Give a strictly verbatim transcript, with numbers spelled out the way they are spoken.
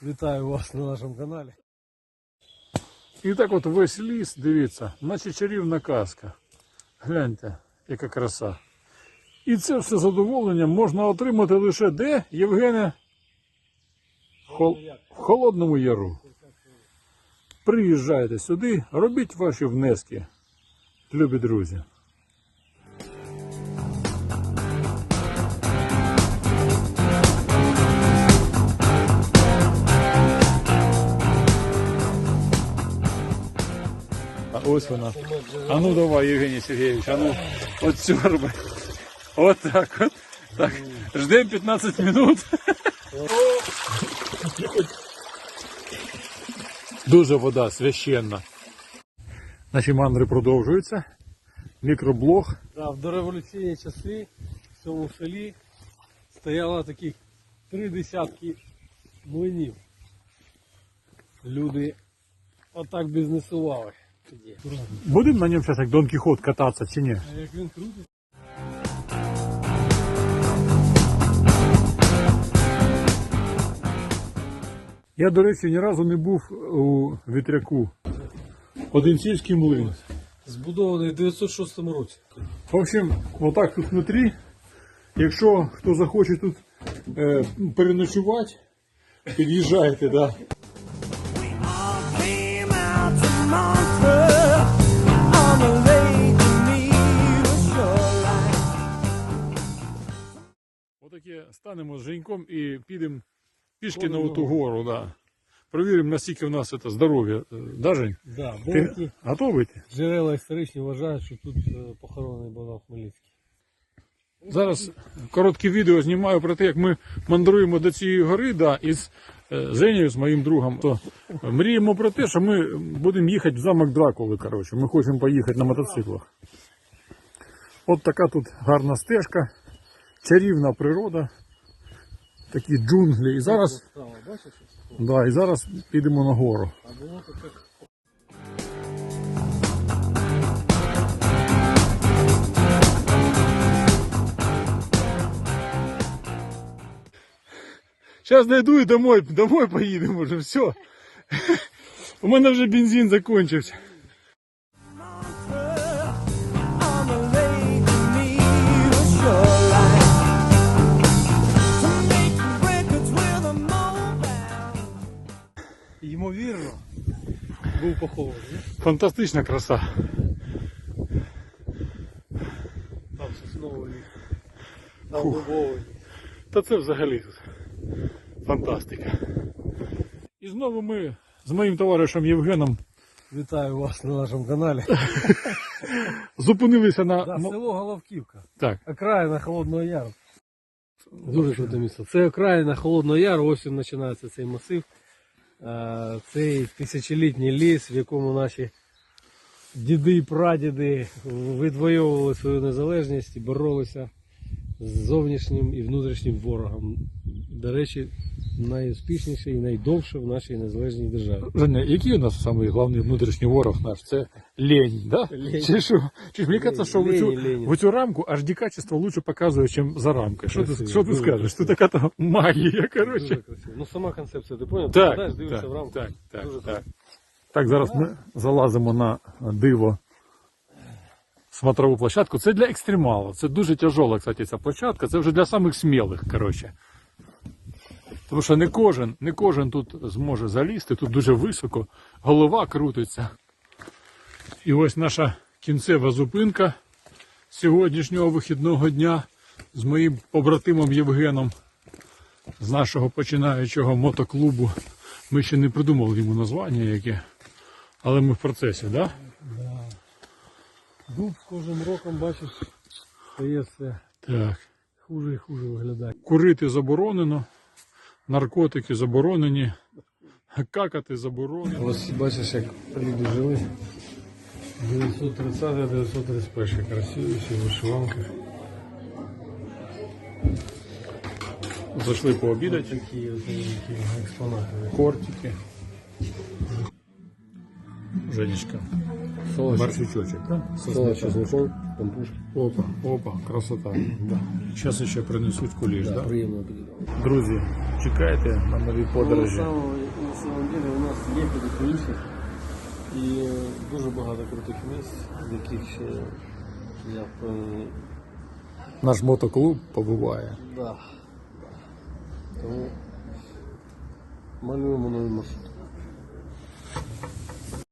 Вітаю вас на нашому каналі. І так от весь ліс, дивіться, наче чарівна казка. Гляньте, яка краса. І це все задоволення можна отримати лише де, Євгене? Хол... В Холодному Яру. Приїжджайте сюди, робіть ваші внески, любі друзі. А ось вона. А ну давай, Євгеній Сергійович, а ну от сьорби. От так от. Так. Ждемо п'ятнадцять минут. Дуже вода священна. Наші мандри продовжуються. Мікроблог. Да, в дореволюційні часи в цьому селі стояло таких три десятки млинів. Люди отак бізнесували тоді. Будемо на ньому зараз як Дон Кіхот кататися чи ні? А як він крутить? Я, до речі, ні разу не був у вітряку. Одинцівський млин. Збудований в дев'ятсот шостому році. В общем, отак тут внутрі. Якщо хто захоче тут е, переночувати, під'їжджайте, да. Отаке станемо з Женьком і підемо пішки на ту гору, да. Провіримо, наскільки в нас це здоров'я. Да, Жень? Да, Ти деякі готовий ти? джерела історичні вважають, що тут е, похоронений Богдан Хмельницький. Зараз коротке відео знімаю про те, як ми мандруємо до цієї гори, да, із е, Женєю, з моїм другом. То мріємо про те, що ми будемо їхати в замок Дракули, коротше. Ми хочемо поїхати на мотоциклах. От така тут гарна стежка, чарівна природа, такі джунглі. І зараз, Бачиш? да, і зараз підемо на гору. А було таке. Зараз дойду і домой, домой поїдемо вже, все. У мене вже бензин закінчився. Ймовірно, був похований. Фантастична краса. Там сосновий ліс, там дубовий ліс. Та це взагалі тут фантастика. І знову ми з моїм товаришем Євгеном Вітаю вас на нашому каналі. зупинилися на... Да, село Головківка. Так. Окраїна Холодного Яру. Дуже круте місце. Це окраїна Холодного Яру, ось він починається цей масив. Е, Цей тисячолітній ліс, в якому наші діди і прадіди відвоювали свою незалежність і боролися з зовнішнім і внутрішнім ворогом. До речі, найуспішніший і найдовше в нашій незалежній державі. Женя, який у нас самий головний внутрішній ворог наш? Це лень, да? Лень. Чи що? Чи ж мені кажеться, що в Лень, цю, лень. в цю рамку аж дикачество лучше показує, ніж за рамкою. Що ти, Красиво, що ти дуже скажеш? красиво. Це така то магія, коротше. Дуже красиво. Ну сама концепція, ти поняв? Так, Ти сідаєш, дивишся так, в рамку. так, так, Дуже так. Так, зараз ми залазимо на диво смотрову площадку. Це для екстремалів. Це дуже тяжола, кстати, ця площадка. Це вже для самих смілих, коротше. Тому що не кожен, не кожен тут зможе залізти, тут дуже високо, голова крутиться. І ось наша кінцева зупинка сьогоднішнього вихідного дня з моїм побратимом Євгеном з нашого починаючого мотоклубу. Ми ще не придумали йому названня яке, але ми в процесі, так? Да? Да. Дуб з кожним роком, бачиш, стає все Так. хуже і хуже виглядає. Курити заборонено, наркотики заборонені, какати заборонено. Ось бачиш, як люди жили. дев'ятсот тридцятий - дев'ятсот тридцять перший. Красиві всі в вишиванках. Зайшли пообідати. Такі от такі експонати. Кортики. Женечка Борщичочек, да? Со Салат с сметаною. чесноком, пампушки. Опа, опа, красота. Да. Зараз ще принесуть куліш, Да, да? приємно буде. Друзі, чекайте на нові На подорожі. самом, на самом деле у нас є куди поїхати. І дуже багато крутих місць, в яких ще я впевнений. Наш мотоклуб побуває. Да. Тому малюємо новий маршрут.